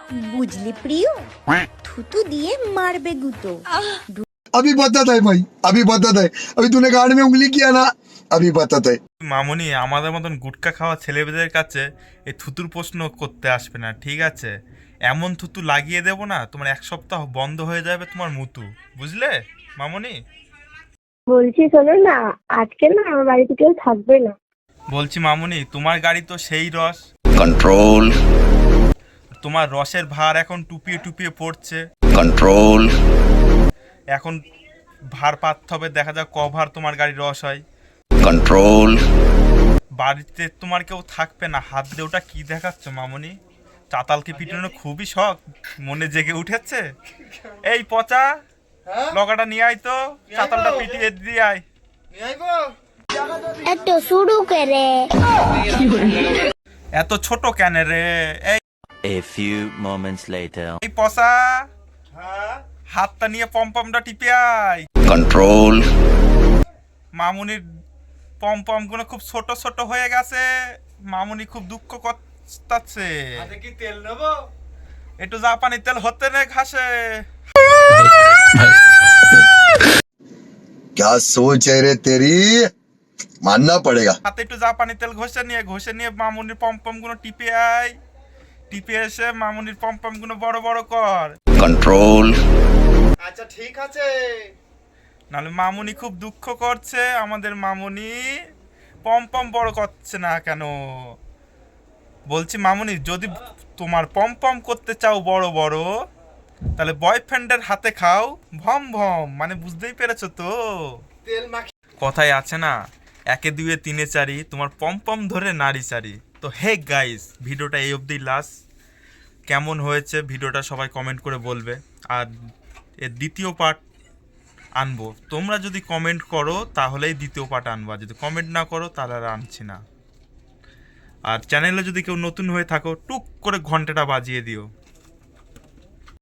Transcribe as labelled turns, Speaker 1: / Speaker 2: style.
Speaker 1: বুঝলি প্রিয়, থুতু দিয়ে মারবে গুতো।
Speaker 2: अभी बताता है भाई, अभी बताता है। अभी तूने गाड़ में उंगली किया ना, अभी बताता है।
Speaker 3: মামুনি আমাদের মতন গুটকা খাওয়া ছেলেদের কাছে এই থুতুর প্রশ্ন করতে আসবে না, ঠিক আছে? এমন থুতু লাগিয়ে দেবো না, তোমার 1 সপ্তাহ বন্ধ হয়ে যাবে তোমার মুতু, বুঝলে মামুনি?
Speaker 4: বলছি শোনো না, আজকে না আমার বাড়িতে কেউ থাকবে না।
Speaker 3: বলছি মামুনি, তোমার গাড়ি তো সেই রস,
Speaker 5: कंट्रोल
Speaker 3: তোমার রসের ভার এখন টুপিয়ে টুপিয়ে পড়ছে।
Speaker 5: कंट्रोल
Speaker 3: এখন ভার পাততে হবে, দেখা যাক কভার তোমার গাড়ির রস হয়।
Speaker 5: कंट्रोल
Speaker 3: বাড়িতে তোমার কেউ থাকবে না, হাত দিয়ে ওটা কি দেখাচ্ছ মামুনি? চাতালকে পিটানো খুবই শখ মনে জেগে উঠেছে। এই পচা, লগাটা নিয়ে আয় তো, চাতালটা পিটিয়ে দিয়ে আয়।
Speaker 4: একটু শুরু করে
Speaker 3: এত ছোট কেন রে? এই
Speaker 5: A few moments later
Speaker 3: এই পচা, হাতটা নিয়ে পমপমটা টিপে আয়।
Speaker 5: कंट्रोल
Speaker 3: মামুনির পমপম গুলো খুব ছোট ছোট হয়ে গেছে, মামুনি খুব দুঃখ করতেছে।
Speaker 6: কি তেল নেবো?
Speaker 3: একটু জাপানি তেল হতে নে ঘাসে।
Speaker 2: क्या सोच है रे तेरी, मानना पड़ेगा।
Speaker 3: হাতে একটু জাপানি তেল ঘষে নিয়ে মামুনির পমপম গুলো টিপে আয়। টিপে এসে মামুনির পমপম গুলো বড় বড় কর,
Speaker 5: कंट्रोल
Speaker 6: আচ্ছা ঠিক আছে।
Speaker 3: নাহলে মামুনি খুব দুঃখ করছে। আমাদের মামুনি পমপম বড় করছে না কেন? বলছি মামুনি, যদি তোমার পমপম করতে চাও বড় বড়, তাহলে বয়ফ্রেন্ডের হাতে খাও ভম ভম, মানে বুঝতেই পেরেছো তো?
Speaker 6: তেল মাখি।
Speaker 3: কথায় আছে না, 1 2 3 4, তোমার পমপম ধরে নাড়ি চারি। তো হে গাইস, ভিডিওটা এই অবধি লাস্ট। কেমন হয়েছে ভিডিওটা সবাই কমেন্ট করে বলবে। আর এর দ্বিতীয় পার্ট আনবো, তোমরা যদি কমেন্ট করো তাহলেই দ্বিতীয় পার্ট আনবো, আর যদি কমেন্ট না করো তাহলে আর আনছি না। আর চ্যানেলে যদি কেউ নতুন হয়ে থাকো, টুক করে ঘন্টাটা বাজিয়ে দিও।